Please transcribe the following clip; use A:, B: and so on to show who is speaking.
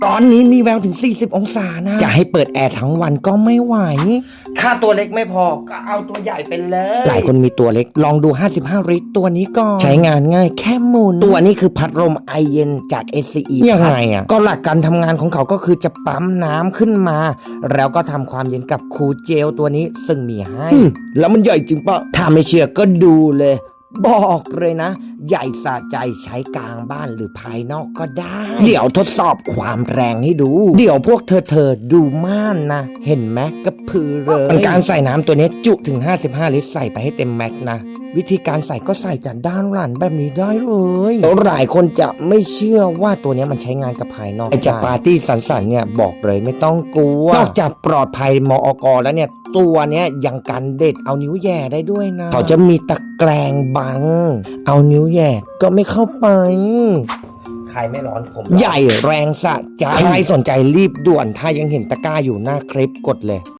A: ตอนนี้มีแววถึง40องศานะจะให้เปิดแอร์ทั้งวันก็ไม่ไหวถ้าตัวเล็กไม่พอก็เอาตัวใหญ่ไปเลยหลายคนมีตัวเล็กลองดู55ลิตรตัวนี้ก่อนใช้งานง่ายแค่หมุนตัวนี้คือพัดลมไอเย็นจาก SCE ยังไงอ่ะก็หลักการทำงานของเขาก็คือจะปั๊มน้ำขึ้นมาแล้วก็ทำความเย็นกับคูลเจลตัวนี้ซึ่งมีให้แล้วมันใหญ่จริงปะถ้าไม่เชื่อก็ดูเลยบอกเลยนะใหญ่สะใจใช้กลางบ้านหรือภายนอกก็ได้เดี๋ยวทดสอบความแรงให้ดูเดี๋ยวพวกเธอดูม่านนะเห็นไหมกระพือเลยเป็นการใส่น้ำตัวนี้จุถึง55ลิตรใส่ไปให้เต็มแม็กนะวิธีการใส่ก็ใส่จากด้านหลังแบบนี้ได้เลยแล้วหลายคนจะไม่เชื่อว่าตัวนี้มันใช้งานกับภายนอกไอจากปาร์ตี้สันเนี่ยบอกเลยไม่ต้องกลัวนอกจากปลอดภัยมอกแล้วเนี่ยตัวเนี้ยยังกันเด็ดเอานิ้วแย่ได้ด้วยนะเขาจะมีตะแกรงบังเอานิ้วแย่ก็ไม่เข้าไปใครไม่ร้อนผมใหญ่แรงสะใจใครสนใจรีบด่วนถ้ายังเห็นตะกร้าอยู่หน้าคลิปกดเลย